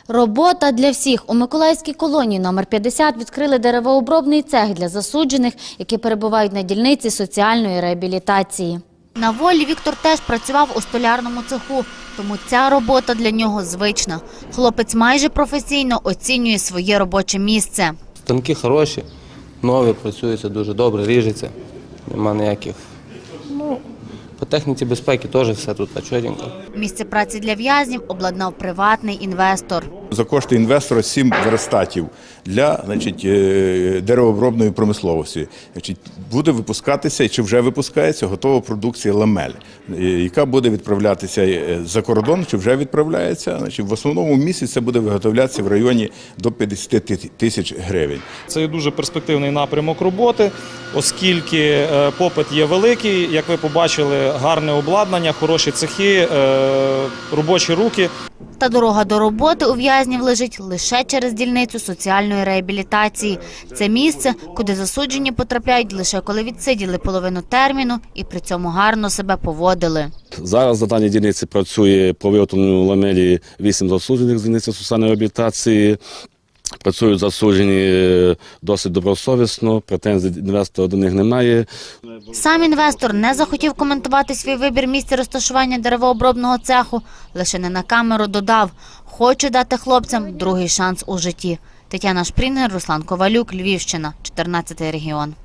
Робота для всіх. У Миколаївській колонії номер 50 відкрили деревообробний цех для засуджених, які перебувають на дільниці соціальної реабілітації. На волі Віктор теж працював у столярному цеху, тому ця робота для нього звична. Хлопець майже професійно оцінює своє робоче місце. Станки хороші, нові, працюються дуже добре, ріжеться, нема ніяких. По техніці безпеки теж все тут чотенько. Місце праці для в'язнів обладнав приватний інвестор. За кошти інвестора 7 верстатів для деревообробної промисловості. Буде випускатися, чи вже випускається, готова продукція ламель, яка буде відправлятися за кордон, чи вже відправляється. В основному місяць це буде виготовлятися в районі до 50 тисяч гривень. Це є дуже перспективний напрямок роботи, оскільки попит є великий, як ви побачили, гарне обладнання, хороші цехи, робочі руки. Та дорога до роботи у в'язнів лежить лише через дільницю соціальної реабілітації. Це місце, куди засуджені потрапляють лише коли відсиділи половину терміну і при цьому гарно себе поводили. Зараз на даній дільниці працює по виготовленню ламелі 8 засуджених з дільниці соціальної реабілітації. Працюють засуджені досить добросовісно, претензій інвестора до них немає. Сам інвестор не захотів коментувати свій вибір місця розташування деревообробного цеху, лише не на камеру додав – хочу дати хлопцям другий шанс у житті. Тетяна Шпрінгер, Руслан Ковалюк, Львівщина, 14-й регіон.